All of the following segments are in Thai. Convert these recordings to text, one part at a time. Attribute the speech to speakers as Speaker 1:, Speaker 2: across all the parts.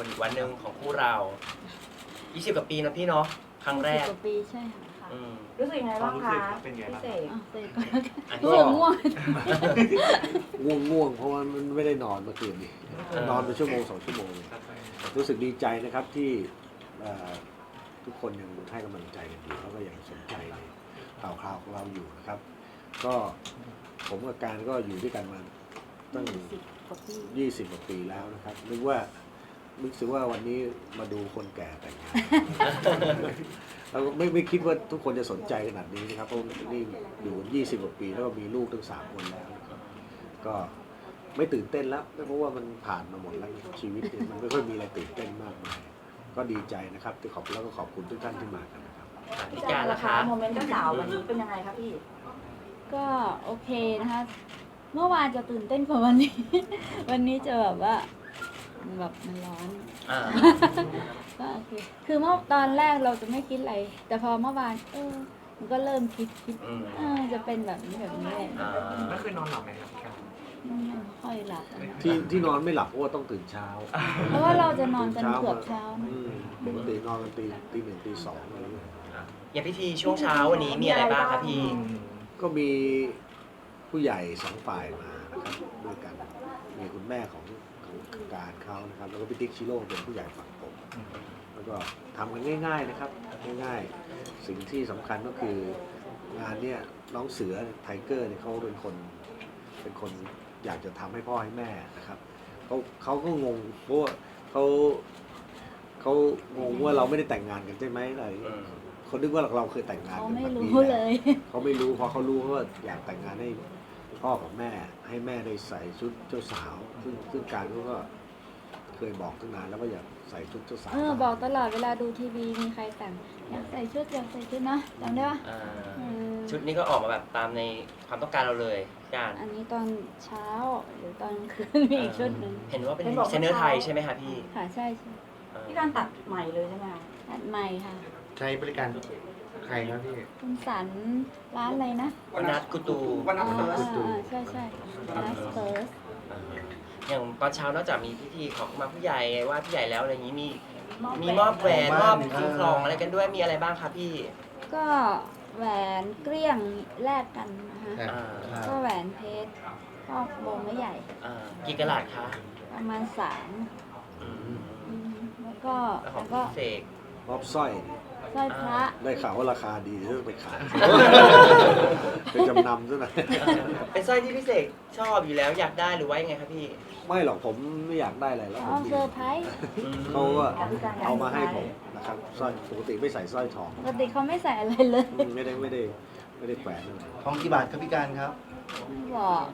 Speaker 1: คนอีกวันหนึ่งของคู่เรา20 กว่าปีนะพี่เนาะครั้งแรก
Speaker 2: 20 กว่าปีใช่ค่ะ
Speaker 3: รู้สึกยังไงบ้างคะ
Speaker 4: เป็นไง
Speaker 3: พี่
Speaker 4: บ้าง
Speaker 3: เสก
Speaker 2: เสร็จก็รู้สึกง่วง
Speaker 5: ง่วงเพราะว่ามันไม่ได้นอนเมื่อคืนนี้นอนไปชั่วโมง2 ชั่วโมงรู้สึกดีใจนะครับที่ทุกคนยังให้กำลังใจกันอยู่แล้วก็ยังสนใจในข่าวของเราอยู่นะครับ ก็ผมกับการก็อยู่ด้วยกันมาตั้ง20 กว่าปีแล้วนะครับนึกว่าวันนี้มาดูคนแก่แต่งงานเราไม่คิดว่าทุกคนจะสนใจขนาดนี้นะครับเพราะนี่อยู่20 กว่าปีแล้วก็มีลูกทั้ง3 คนแล้วนะครับก็ไม่ตื่นเต้นแล้วเพราะว่ามันผ่านมาหมดแล้วชีวิตเนี่ยมันไม่ค่อยมีอะไรตื่นเต้นมากมายก็ดีใจนะครับที่แล้วก็ขอบคุณทุกท่านที่มากันนะครับ
Speaker 3: พี่การล่ะคะโมเมนต์เจ้าสาววันนี้เป็นยังไงคะพี่
Speaker 2: ก็โอเคนะคะ เมื่อวานจะตื่นเต้นกว่าวันนี้ วันนี้จะแบบว่าแบบมันร้อน ก็โอเคคือเมื่อตอนแรกเราจะไม่คิดอะไร แต่พอเมื่อวานมันก็เริ่มคิดจะเป็นแบบนี้เลย
Speaker 4: ไม่เคยนอนหลับไหมครับ
Speaker 2: ไม่ค่อยหลับ
Speaker 5: ที่นอนไม่หลับเพราะว่าต้องตื่นเช้า
Speaker 2: เพราะว่าเราจะนอนกันเกือบเช้า
Speaker 5: ปกตินอนกันตี 1 ตี 2อะไรอย่างเงี้ย
Speaker 1: อย่างพิธีช่วงเช้าวันนี้มีอะไรบ้างครับพี่
Speaker 5: ก็มีผู้ใหญ่2 ฝ่ายมานะครับด้วยกันมีคุณแม่ของการเขานะครับแล้วก็พี่ติ๊กชิโร่เป็นผู้ใหญ่ฝั่งผมแล้วก็ทำกันง่ายๆนะครับง่ายๆสิ่งที่สำคัญก็คืองานเนี้ยน้องเสือไทเกอร์เนี่ยเขาเป็นคนอยากจะทำให้พ่อให้แม่นะครับเขาก็งงเพราะว่าเขางงว่าเราไม่ได้แต่งงานกันใช่ไหมอะไรเขาคิดว่าเราเคยแต่งงานกันแบบนี้เขาไม่รู้พอเขารู้ว่าอยากแต่งงานให้พ่อกับแม่ให้แม่ได้ใส่ชุดเจ้าสาวซึ่งการก็เคยบอกตั้งนานแล้วว่าอยากใส่ชุดเจ้าสาว
Speaker 2: บอกตลอดเวลาดูทีวีมีใครแต่งอยากใส่ชุดนะจำได้ปะ
Speaker 1: ชุดนี้ก็ออกมาแบบตามในความต้องการเราเลยการ
Speaker 2: อันนี้ตอนเช้าหรือตอนคืนมีอีกชุดหนึ่ง
Speaker 1: เห็นว่าเป็นดีไซเนอร์ไทยใช่ไหมคะพี่
Speaker 2: ค่ะใช่
Speaker 3: พี่การตัดใหม่เลยใช่ไหมคะ
Speaker 2: ตัดใหม่ค่ะ
Speaker 4: ใช้บริการใครครับพี่
Speaker 2: คุณสันร้านอะไรนะ
Speaker 1: วันนัดกุตู
Speaker 2: ใช่นัสเฟิร์ส
Speaker 1: อย่างตอนเช้านอกจากมีพิธีขอขมาผู้ใหญ่ว่าผู้ใหญ่แล้วอะไรอย่างนี้มีมอบแหวนมอบสิ่งของอะไรกันด้วยมีอะไรบ้างคะพี่
Speaker 2: ก็แหวนเกลี้ยงแลกกันนะคะก็แหวนเพชรก็วงไม่ใหญ่
Speaker 1: กี่กะรัตคะ
Speaker 2: ประมาณ3แล้วก็
Speaker 1: เสก
Speaker 5: มอบสร้อย
Speaker 2: พระ
Speaker 5: ได้ข่าวว่าราคาดีจะไปขายไปจำนำซะหน่อย
Speaker 1: เป็นสร้อยที่พี่เสกชอบอยู่แล้วอยากได้หรือว่ายังไงครับพี่
Speaker 5: ไม่หรอกผมไม่อยากได้อะไรแล้ว
Speaker 2: เซอร์ไพรส์
Speaker 5: เขาก็เอามาให้ผมนะครับสร้อยปกติไม่ใส่สร้อยทอง
Speaker 2: ปกติเขาไม่ใส่อะไรเลย
Speaker 5: ไม่ได้แขวนอะไร
Speaker 4: ทองกี่บาทครับพี่การครับ
Speaker 2: บอก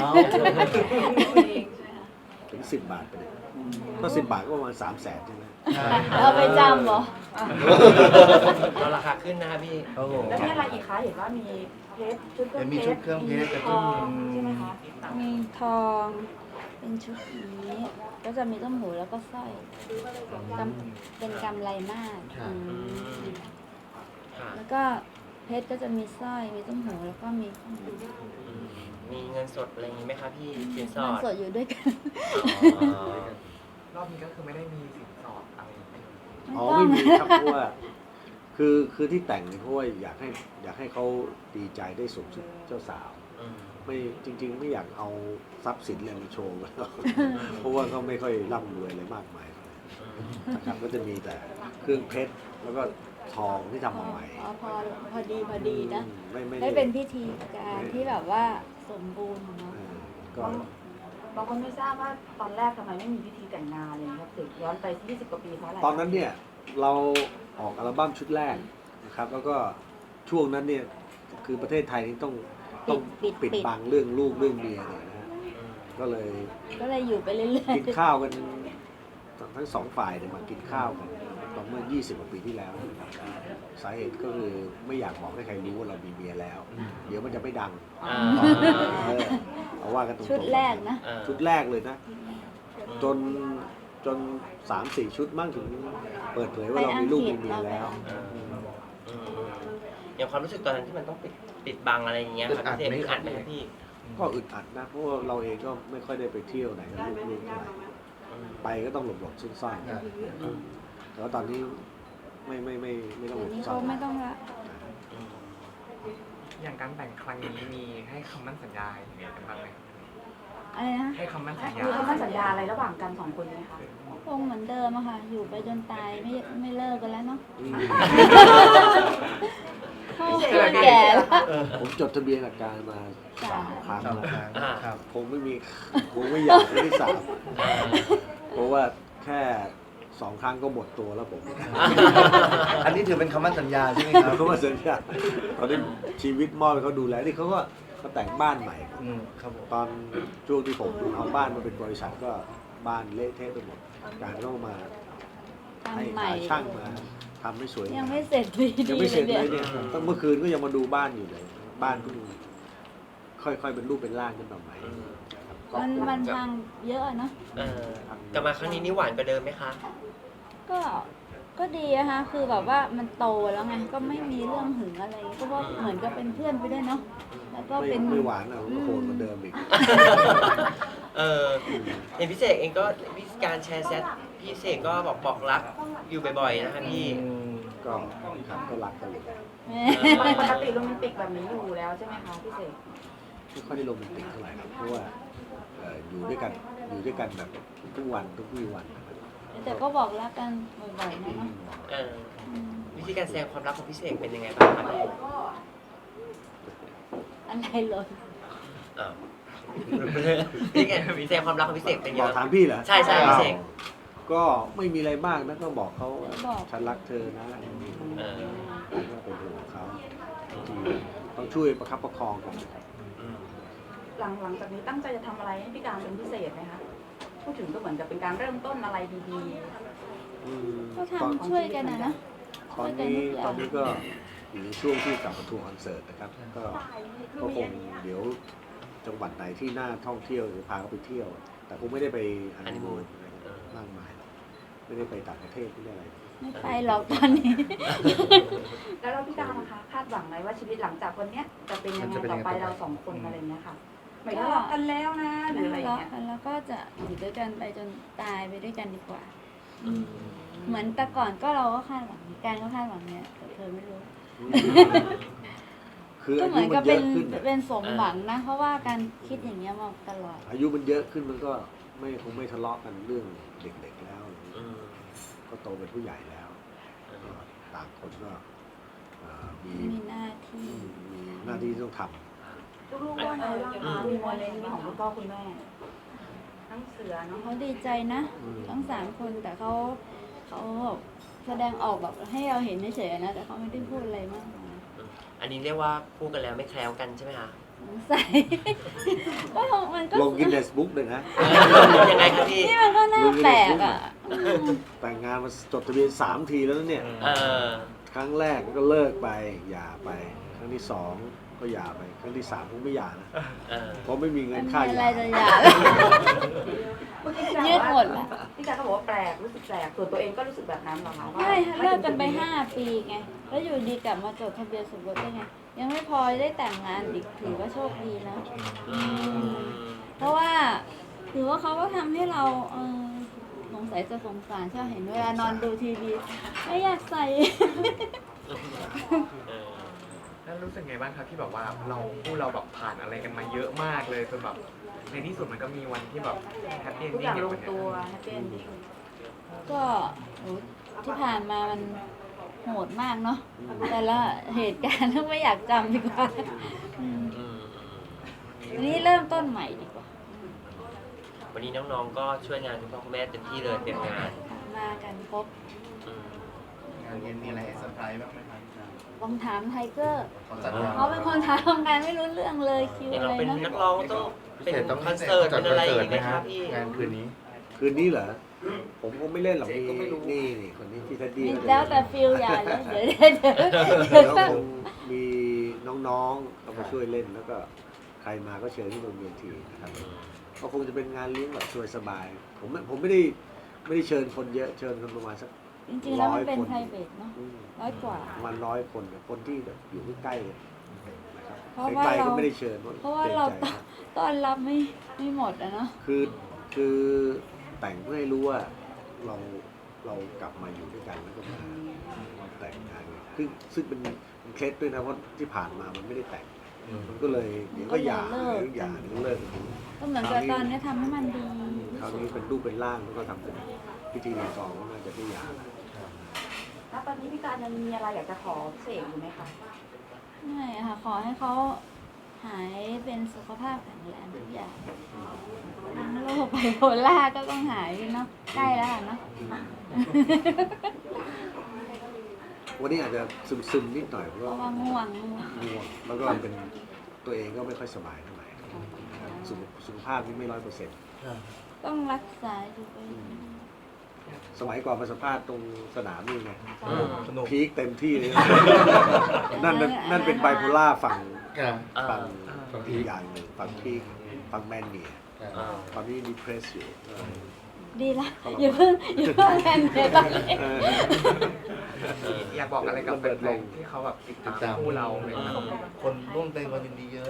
Speaker 5: ถึง10 บาทไปเลยก็10 บาทก็ประมาณ300,000ใช่ไหม
Speaker 2: เอาไปจำเหรอ
Speaker 1: เราราคาขึ้นนะครับพี่
Speaker 3: แล้วมีอะไรอีกคะเห็นว่ามีเพชรชุดเครื่องเพชร
Speaker 4: มีชุดเครื่องเพชร
Speaker 3: ทองใช่ไหมคะ
Speaker 2: มีทองเป็นชุดนี้ก็จะมีต้มหูแล้วก็สร้อยเป็นกำไรมากแล้วก็เพชรก็จะมีสร้อยมีต้มหูแล้วก็มี
Speaker 1: เงินสดอะไรอย่างนี้ไหมคะพี่สินสอด
Speaker 2: เงินสดอยู่ด้วยกัน
Speaker 4: รอบนี้ก็คือไม่ได้มีสินสอดอะไร
Speaker 5: ไม่มีครับเพราะว่าคือที่แต่งเพราะว่าอยากให้เขาดีใจได้สวมชุดเจ้าสาวไม่จริงๆไม่อยากเอาทรัพย์สินอะไรมาโชว์เพราะว่าเขาไม่ค่อยร่ำรวยอะไรมากมายนะครับก็จะมีแต่เครื่องเพชรแล้วก็ทองที่ทำมาใหม่
Speaker 2: พอดีนะได้เป็นพิธีการที่แบบว่าสมบูรณ์ของเรา
Speaker 3: บางคนไม่ทราบว่าตอนแรกทำไมไม่มีพิธีแต่งงานเลยครับถึงย้อนไป20 กว่าปีเพราะอะไร
Speaker 5: ตอนนั้นเนี่ยเราออกอัลบั้มชุดแรกนะครับแล้วก็ช่วงนั้นเนี่ยคือประเทศไทยนี่ต้องปิดบังเรื่องลูกเรื่องเมียเนี่ยนะฮะก็เลย
Speaker 2: อยู่ไปเรื่อย
Speaker 5: ๆกินข้าวกันทั้ง2 ฝ่ายเนี่ยมากินข้าวกันตอนเมื่อ20 กว่าปีที่แล้วสาเหตุก็คือไม่อยากบอกให้ใครรู้ว่าเรามีเมียแล้วเดี๋ยวมันจะไม่ดังเอาว่ากันตรงๆ
Speaker 2: ชุดแรกนะ
Speaker 5: ชุดแรกเลยนะจน3-4 ชุดมั่งถึงเปิดเผยว่าเรามีลูกมีเมียแล้ว
Speaker 1: อย่างความรู้สึกตอนนั้นที่มันต้องปิดบังอะไรอย่างเงี้ยครับพี่อึดอัดไหมครับพี่
Speaker 5: ก็อึดอัดนะเพราะว่าเราเองก็ไม่ค่อยได้ไปเที่ยวไหนกับลูกๆเท่าไหร่ไปก็ต้องหลบๆซ่อนๆแต่ว่าตอนนี้ไม่ต้องหล
Speaker 2: เดี๋ยว
Speaker 5: บ
Speaker 2: นี้
Speaker 5: ซ่
Speaker 2: เขา
Speaker 5: อน
Speaker 2: ไม่ต้องละ
Speaker 4: อย่างการแต่งครั้งนี้มีให้คำมั่นสัญญาอย่างเงี้ยกันบ้างไหมครับ
Speaker 2: อะไรนะ
Speaker 4: ให้คำมั่นสัญญา
Speaker 3: มีคำมั่นสัญญาอะไรระหว่างกันสองคนไหมคะ
Speaker 2: คงเหมือนเดิมอะค่ะ อยู่ไปจนตายไม่เลิกกันแล้วเนาะ
Speaker 5: อืม
Speaker 2: เขาคนแก่แล้ว
Speaker 5: ผมจดทะเบียนกับการมา3 ครั้งแล้ว
Speaker 4: ครับ
Speaker 5: คงไม่อยากครั้งที่ 3เพราะว่าแค่2 ครั้งก็หมดตัวแล้วผม
Speaker 4: อันนี้ถือเป็นคำมั่นสัญญาใช่ไหมครับ
Speaker 5: เขามาสัญญาตอนนี้ชีวิตมอบให้เขาดูแลนี่เขาก็มาแต่งบ้านใหม่
Speaker 4: ครับผม
Speaker 5: ตอนช่วงที่ผมเอาบ้านมาเป็นบริษัทก็บ้านเละเทะไปหมดการต้องมาให้
Speaker 2: ทำใหม่
Speaker 5: หาช่างมาทำให้สวย
Speaker 2: ยังไม่เสร็จดี
Speaker 5: ยังไม่เสร็จเลย
Speaker 2: เนี่
Speaker 5: เนี่ย ยตั้งเมื่อคืนก็ยังมาดูบ้านอยู่เลย บ้านเพิ่งค่อยๆเป็นรูปเป็นร่างขึ้นมาใหม่
Speaker 2: มันพังเยอะอะเนาะ
Speaker 1: กลับมาครั้งนี้นี่หวานกว่าเดิมไหมคะ
Speaker 2: ก็ดีนะคะคือแบบว่ามันโตแล้วไงก็ไม่มีเรื่องหึงอะไรก็ว่าเหมือนกับเป็นเพื่อนไปด้วยเนาะแล้วก็เป็น
Speaker 5: ไม่หวานอ่ะก็โหดเหมือนเดิมอีก
Speaker 1: เห็นพี่เสกเองก็วิธีการแชร์แชทพี่เสกก็บอกรักอยู่บ่อยๆนะคะพี่
Speaker 5: ก็ครับก็รักกันเลย
Speaker 3: ปกติโรแมนติกแบบนี้อยู่แล้วใช่ไหมคะพี่เสก
Speaker 5: ไม่ค่อยได้โรแมนติกเท่าไหร่ครับเพราะว่าอยู่ด้วยกันแบบทุกวันทุกวี่วันนะครับ
Speaker 2: แต่ก็บอกรักกันบ่อยๆนะเนาะ
Speaker 1: วิธีการแสดงความรักของพี่เสกเป็นยังไงบ้างครับพี่
Speaker 2: อะไรเลย
Speaker 1: อ้าววิธีการแสดงความรักของพี่เสกเป็นยัง
Speaker 5: บ
Speaker 1: ไง
Speaker 5: อก
Speaker 1: บ้าง
Speaker 5: ถามพี่เหรอ
Speaker 1: ใช่พี่เสก
Speaker 5: ก็ไม่มีอะไรมากนะก็บอกเขาฉันรักเธอนะ
Speaker 1: เออ
Speaker 5: ก็เป็นห่วงเขาที่ต้องช่วยประคับประคองกันนะครับ
Speaker 3: หลังจากนี้ตั้งใจจะทำอะไรให้พี่การเป็นพิเศษไหมคะพูดถึงก็เหมือนกับเป็นการเริ่มต้นอะไรดี
Speaker 5: อืม
Speaker 2: ก็
Speaker 5: ตอน
Speaker 2: ทำช่วยกันนะ
Speaker 5: ตอนนี้ก็อยู่ในช่วงที่กลับมาทัวร์คอนเสิร์ตนะครับ ก็คงเดี๋ยวจังหวัดไหนที่น่าท่องเที่ยวจะพาเขาไปเที่ยว แต่คงไม่ได้ไปฮันนีมูนมากมายไม่ได้ไปต่างประเทศไม่ได้อะไร
Speaker 2: ไม่ไปหรอกตอนนี้
Speaker 3: ๆ แล้วเราพี่การนะคะคาดหวังไหมว่าชีวิตหลังจากวันเนี้ยจะเป็นยังไงต่อไปเราสองคนอะไรเงี้ยค่ะไม่ทะเลาะกันแล้วนะหรืออะไร
Speaker 2: แล้ว
Speaker 3: เงี้ย
Speaker 2: แล้วก็จะอยู่ด้วยกันไปจนตายไปด้วยกันดีกว่า เหมือนแต่ก่อนก็เราก็คาดหวังการก็คาดหวังเนี่ยแต่เธอไม่รู้
Speaker 5: คือ
Speaker 2: ก็
Speaker 5: อา
Speaker 2: เหมื
Speaker 5: ยุ
Speaker 2: อน
Speaker 5: มั
Speaker 2: กับ
Speaker 5: นเย
Speaker 2: เป็
Speaker 5: อะ
Speaker 2: น
Speaker 5: ขึ้นน่ะ
Speaker 2: เป็นสมหวังนะ เพราะว่าการคิดอย่างเงี้ยมาตลอด
Speaker 5: อายุมันเยอะขึ้นมันก็คงไม่ทะเลาะกันเรื่องเด็กๆแล้ว ก็โตเป็นผู้ใหญ่แล้วก็ต่างคนก็มี
Speaker 2: มีหน้าที่
Speaker 5: หน้าที่ต้องท
Speaker 3: ลูกๆว่าไงบ้างคะมีโมเมนต์นี้ของคุณพ่อคุณแม่ทั้งเสือเนาะ
Speaker 2: เขาดีใจนะ ทั้ง3 คนแต่เขาแบบแสดงออกแบบให้เราเห็นเฉยๆนะ แต่เขาไม่ได้พูดอะไรมากมาย
Speaker 1: อันนี้เรียกว่าคู่กันแล้วไม่แคล้วกันใช่ไหมคะ
Speaker 2: สงสัย ก็มันก็
Speaker 5: ำลงกินเนสบุ๊กเลยนะ
Speaker 1: ยังไงครับพี่
Speaker 2: นี่มันก็น่าแปลกอ่ะ
Speaker 5: แต่งงานมาจดทะเบียน3 ทีแล้วนะเนี่ย ครั้งแรกก็เลิกไปหย่าไป ครั้งที่ 2 ก็หย่าไป ครั้งที่ 3 คงไม่หย่านะเพราะไม่มีเงิ
Speaker 2: มัน น
Speaker 5: ค่า
Speaker 2: มี
Speaker 5: ห
Speaker 2: อะไร
Speaker 5: ย่า
Speaker 2: จะอยาก
Speaker 3: เมื่อกี้พี่การ
Speaker 2: ยืดหมดละ
Speaker 3: พี่การก็บอกว่าแปลกรู้สึกแปลกส่วนตัวเองก็รู้สึกแบบนั้นเหรอคะว่า
Speaker 2: ใช่เลิกกันไป5 ปีไง แล้วอยู่ดีกลับมาจดทะเบียนสมรสได้ไง ยังไม่พอได้แต่งงานอีกถือว่าโชคดีนะ เพราะว่าถือว่าเขาก็ทำให้เราสงสัยจะสงสารใช่เห็นเวลานอนดูทีวีไม่อยากใส่
Speaker 4: แล้วรู้สึกไงบ้างครับที่แบบว่าเราแบบผ่านอะไรกันมาเยอะมากเลยจนแบบในที่สุดมันก็มีวันที่แบบแฮปปี้เอน
Speaker 3: ทุกอ
Speaker 4: ดิ้
Speaker 3: ย่าง
Speaker 4: ง
Speaker 3: ล
Speaker 4: อย่าง
Speaker 3: ง
Speaker 4: วันเนี้
Speaker 3: ตัวย แฮปปี้เอนดิ้ง
Speaker 2: ก็โหที่ผ่านมามันโหดมากเนาะแต่ละเหตุการณ์ไม่อยากจำดีกว่าวันนี้เริ่มต้นใหม่ดีกว่า
Speaker 1: วันนี้น้องๆก็ช่วยงานคุณพ่อคุณแม่เต็มที่เลยเต็มงาน
Speaker 2: มากันครบ
Speaker 6: งานเย็นมีอะไรให้เซอร์ไพรส์บ้างไหมครับ
Speaker 2: ลองถามไทเกอร์
Speaker 6: เขาจัดงาน
Speaker 2: เขาเป็นคนทำงานไม่รู้เรื่องเลยคิว
Speaker 1: อย่าง
Speaker 2: อะ
Speaker 1: เรา
Speaker 2: ไร
Speaker 1: เป็น
Speaker 2: นะ
Speaker 1: นักร้องต้องเป็นคอนเสิร์ตเป็นอะไรอย่างเงี้ยครับพี่
Speaker 6: งานคืนนี้
Speaker 5: คืนนี้เหรอ ผมคงไม่เล่นหรอกนี่คนนี้พี่ทัดดี้
Speaker 2: มีแล้วแต่ฟิลอย่าเลยเดี๋ยว
Speaker 5: เดี๋ยวคงมีน้องๆเขามาช่วยเล่นแล้วก็ใครมาก็เชิญที่โรงเรียนทีนะครับก็คงจะเป็นงานเลี้ยงแบบสบายๆผมไม่ได้เชิญคนเยอะเชิญคนประมาณสัก
Speaker 2: จริงๆแล้วมันเป็นไพรเวทเนาะ100 กว่า
Speaker 5: ประมาณ100 คนคนที่แบบอยู่ใกล้ๆเลยนะครับ
Speaker 2: เพราะว่า
Speaker 5: ใกล้ๆ
Speaker 2: เรา
Speaker 5: ก็ไม่ได้เชิญ
Speaker 2: เพราะว่าเราต้อนรับไม่หมดอะเนาะ
Speaker 5: คือแต่งเพื่อให้รู้ว่าเรากลับมาอยู่ด้วยกันแล้วก็มาแต่งงานซึ่งเป็นเคล็ดด้วยนะเพราะที่ผ่านมามันไม่ได้แต่งมันก็เลยเดี๋ยวก็หย่าเดี๋ยวเลิก
Speaker 2: ก็เหมือนกับตอนนี้ทำให้มันดี
Speaker 5: คราวนี้เป็นรูปเป็นร่างแล้วก็ทำเป็นพิธีรีตองก็น่าจะได้หย่าแล้ว
Speaker 3: แล้วตอนนี้พี่การยังมีอะไรอยากจะขอเสกอยู่ไหมคะ
Speaker 2: ไม่ค่ะ ขอให้เขาหายเป็นสุขภาพแข็งแรงทุกอย่างทั้งโรคไบโพล่าก็ต้องหายเนาะใกล้แล้วเนาะ
Speaker 5: วันนี้อาจจะซึมๆนิดหน่อยเพราะ
Speaker 2: เพราะ
Speaker 5: ว่า
Speaker 2: ว่าง่วง
Speaker 5: ง่วงแล้วก็เป็นตัวเองก็ไม่ค่อยสบายเท่าไหร่สุขภาพนี่ไม่100%
Speaker 2: ต้องรักษาอยู่ไป
Speaker 5: สมัยก่อนมาสัมภาษณ์ตรงสนามนี่ไง
Speaker 6: สนุก
Speaker 5: พีคเต็มที่เลย นั่นเป็นไบโพล่าฝั่งอีกอย่างหนึ่งฝั่งพีคฝั่งแมนเนียตอนนี้ดีเพรสอยู่
Speaker 2: ดีละอย่าเพิ่งแอนเลยตอนนี้
Speaker 4: อยากบอกอะไรกับแฟนๆที่เขาแบบติดตามคู่เราเลยครับ
Speaker 6: คนร่วมแสดงความยินดีเยอะ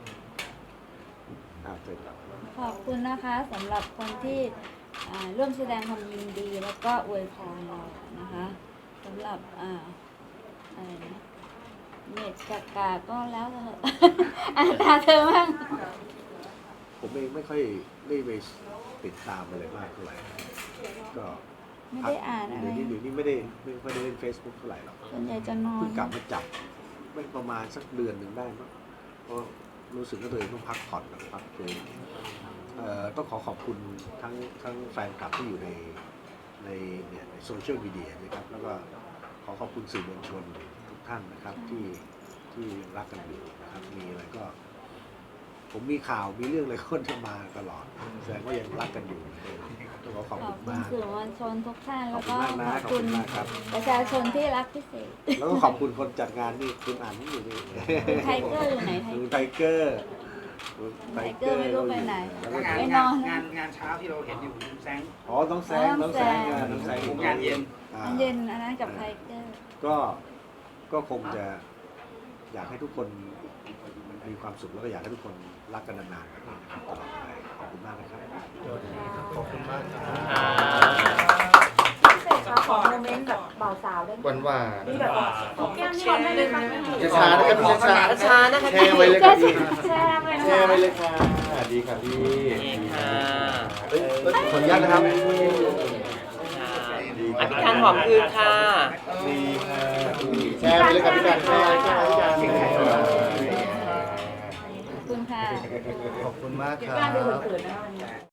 Speaker 5: เสร็จแล้ว
Speaker 2: ขอบคุณนะคะสำหรับคนที่ร่วมแสดงความยินดีแล้วก็อวยพรเรานะคะสำหรับอะไรนะเน็ตกาก็แล้วเถอะ ตาเธอบ้าง
Speaker 5: ผมเองไม่ค่อยได้ไปติดตามอะไรมากเท่าไหร่ก็
Speaker 2: ไม่ได้อ่านอะไร
Speaker 5: เดี๋ยวนี้ไม่ค่อยได้เล่น Facebook เท่าไหร่หรอก
Speaker 2: ส่วนใหญ่จะนอน
Speaker 5: เพิ่งกลับมาจับไม่ประมาณสักเดือนหนึ่งได้มั้งเพราะรู้สึกว่าตัวเองต้องพักผ่อนกับพักฟื้นต้องขอบคุณทั้งแฟนคลับที่อยู่ในโซเชียลมีเดียนะครับแล้วก็ขอบคุณสื่อมวลชนทุกท่านนะครับที่ยังรักกันอยู่นะครับมีอะไรก็ ผมมีข่าวมีเรื่องอะไรก็จะมาตลอดแสดงว่ายังรักกันอยู่ต้องขอบ
Speaker 2: ขอ
Speaker 5: คุ
Speaker 2: บ
Speaker 5: ณ
Speaker 2: คุณ
Speaker 5: มาก
Speaker 2: สื่อมวลชนทุกท่าน
Speaker 5: ข
Speaker 2: แล้
Speaker 5: อ
Speaker 2: ว
Speaker 5: บคุ
Speaker 2: ก็
Speaker 5: ณมากนะ
Speaker 2: ขอบ
Speaker 5: ขอบ
Speaker 2: คุ
Speaker 5: คุณ ณมากครับ
Speaker 2: ประชาชนที่รักพิเศษ
Speaker 5: แล้วก็ขอบคุณคนจัดงานนี่คุณอั๋นอยู่นี่
Speaker 2: คุณไทเกอร์อยู่ไหนไท
Speaker 5: คุณไทเกอร์คุณ
Speaker 2: ไทเกอร์ไม่รู้ไปไหน
Speaker 5: แล้วก็
Speaker 2: ไปนอน
Speaker 7: งานเช้าที่เราเห็นอยู่แสง
Speaker 5: อ๋อต้องแซง
Speaker 2: น้องแซง
Speaker 7: งานเย็น
Speaker 2: เย็นอันนั้นกับไทเกอร์
Speaker 5: ก็คงจะอยากให้ทุกคนมีความสุขแล้วก็อยากให้ทุกคนรักกันนานๆแบบนี้นะครับตลอดไปขอบคุณมากนะครับ
Speaker 6: ขอบคุณมากครับ
Speaker 3: พี่เสกคะขอโมเมนต์แบบบ่าวสาวได้ไหม
Speaker 6: หวาน
Speaker 3: มีแบบแก้มนี่ก่อนได้เลยค่ะ
Speaker 6: ๆช้าๆนะครับพี่ช้า
Speaker 1: ช้านะคะ
Speaker 6: แชร์ไว้เลยครับพี่
Speaker 3: แชร์ไปนะ
Speaker 6: แช
Speaker 3: คะ
Speaker 6: ร์ไว้เลยค่ะดีครับพี่
Speaker 1: นี่ค่ะ
Speaker 6: ขออนุญาตนะครับ
Speaker 1: พี่การหอมคืนค่ะ
Speaker 6: ดีค่ะแชร์ไปเลยครับพี่การแชร์พี่การ
Speaker 2: ขอบคุณค่ะ
Speaker 6: ขอบคุณมาก
Speaker 3: พี่
Speaker 6: ครั
Speaker 3: การดู
Speaker 6: บ
Speaker 3: เขินๆนะวันนี้